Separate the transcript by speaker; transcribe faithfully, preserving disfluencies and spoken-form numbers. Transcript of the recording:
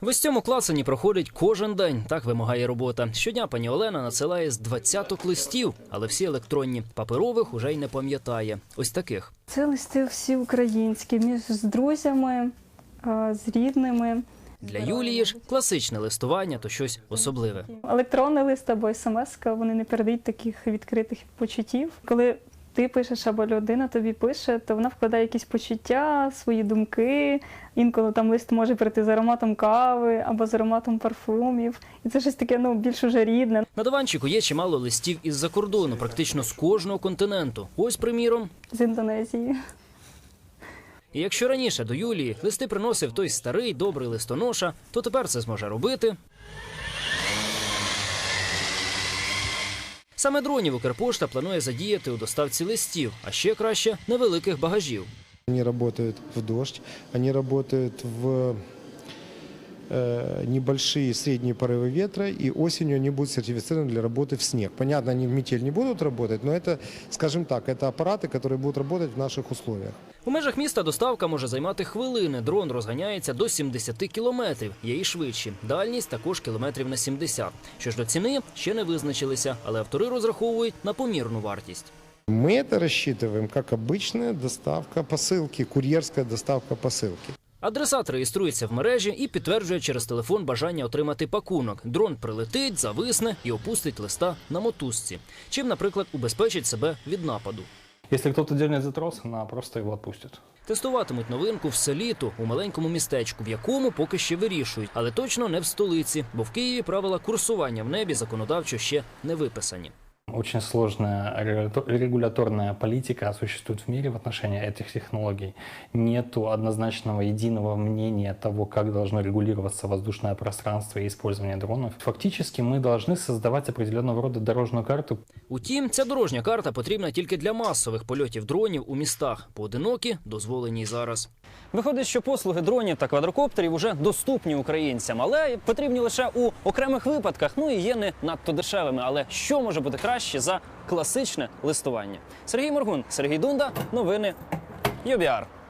Speaker 1: В ось цьому клацані проходить кожен день, так вимагає робота. Щодня пані Олена надсилає з двадцяток листів, але всі електронні. Паперових уже й не пам'ятає. Ось таких.
Speaker 2: Це листи всі українські, між з друзями, з рідними.
Speaker 1: Для Юлії ж класичне листування – то щось особливе.
Speaker 2: Електронний лист або смс-ка, вони не передають таких відкритих почуттів. Коли ти пишеш або людина тобі пише, то вона вкладає якісь почуття, свої думки. Інколи там лист може прийти з ароматом кави або з ароматом парфумів. І це щось таке, ну, більш уже рідне.
Speaker 1: На диванчику є чимало листів із-за кордону, практично з кожного континенту. Ось, приміром,
Speaker 2: З Індонезії.
Speaker 1: І якщо раніше до Юлії листи приносив той старий добрий листоноша, то тепер це зможе робити саме дронів Укрпошта планує задіяти у доставці листів, а ще краще – невеликих багажів.
Speaker 3: Вони працюють в дощ, вони працюють в небольшие средние порывы ветра, и осенью они будут сертифицированы для работы в снег. Понятно, они в метель не будут работать, но это, скажем так, это аппараты, которые будут работать в наших условиях.
Speaker 1: У межах міста доставка може займати хвилини. Дрон розганяється до сімдесяти кілометрів, є і швидші. Дальність також кілометрів на сімдесят. Що ж до ціни, ще не визначилися, але автори розраховують на помірну вартість.
Speaker 3: Мы это рассчитываем как обычная доставка посылки, курьерская доставка посылки.
Speaker 1: Адресат реєструється в мережі і підтверджує через телефон бажання отримати пакунок. Дрон прилетить, зависне і опустить листа на мотузці. Чим, наприклад, убезпечить себе від нападу.
Speaker 4: Якщо хтось дерне за трос, вона просто його відпустить.
Speaker 1: Тестуватимуть новинку все літо у маленькому містечку, в якому поки ще вирішують. Але точно не в столиці, бо в Києві правила курсування в небі законодавчо ще не виписані.
Speaker 4: Очень сложная регуляторная политика существует в мире в отношении этих технологий. Нету однозначного единого мнения того, как должно регулироваться воздушное пространство и использование дронов. Фактически мы должны создавать определенного рода дорожную карту.
Speaker 1: Утім, ця дорожня карта потрібна тільки для масових польотів дронів у містах. Поодинокі дозволені й зараз. Виходить, що послуги дронів та квадрокоптерів уже доступні українцям, але потрібні лише у окремих випадках, ну і є не надто дешевими. Але що може бути краще за класичне листування? Сергій Моргун, Сергій Дунда, новини ю бі ар.